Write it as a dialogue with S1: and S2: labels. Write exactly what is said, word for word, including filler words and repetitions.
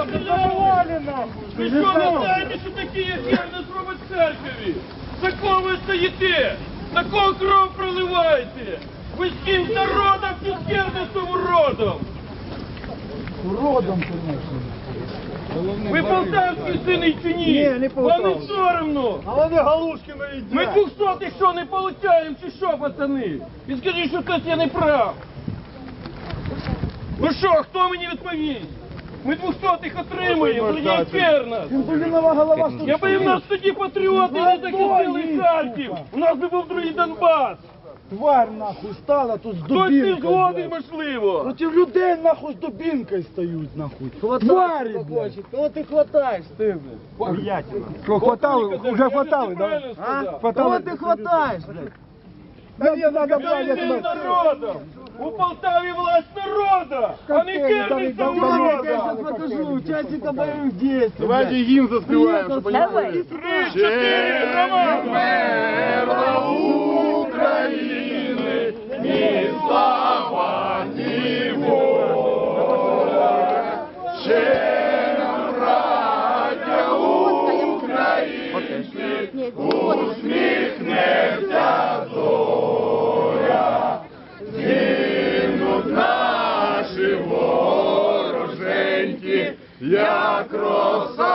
S1: Завали нахуй!
S2: Ви що, не знаєте, що такі, як я, нас робить в церкві? За кого ви стоїте? На кого кров проливаєте? Ви з ким народом чи з кернистим уродом?
S1: Уродом, конечно.
S2: Ви полтавські сини чи ні?
S1: Ні, не полтавські.
S2: Вам не соромно.
S1: А вони галушки не їдять.
S2: Ми двохсотих що не получаємо, чи що, пацани? І скажіть, що хтось я не прав. Ну що, хто мені відповість? Ми двохсотих отримуємо, Леонід Кернес.
S1: Інсулінова голова що?
S2: Я би в нас тоді патріоти не захистили Харків. У нас би був другий Донбас.
S1: Тварь нахуй стала тут з
S2: Хтось не
S1: дубінкою.
S2: згоден,
S1: блядь.
S2: можливо.
S1: Проти людей нахуй з дубінкою стають нахуй. Тварі, блядь.
S3: Кого ти хватаєш, ти, блядь?
S1: Що, хватали? Уже хватали, да?
S2: А?
S3: Кого ти хватаєш, блядь?
S1: Мені треба, блядь, я
S2: Я
S1: тебе...
S2: народом. У Полтаві власть народа, а не
S1: Какие там
S2: керівництва
S1: там-
S3: Я
S2: урода.
S3: сейчас покажу участника боевых действий.
S4: Давайте гимн заспеваем, чтобы они
S5: Давай.
S4: знали.
S2: Три, чотири, громада.
S4: Мерла України, ні слава, ні воля. Ще нам, браття українці, усміхнеться зоря. Згинуть наші вороженьки, як роса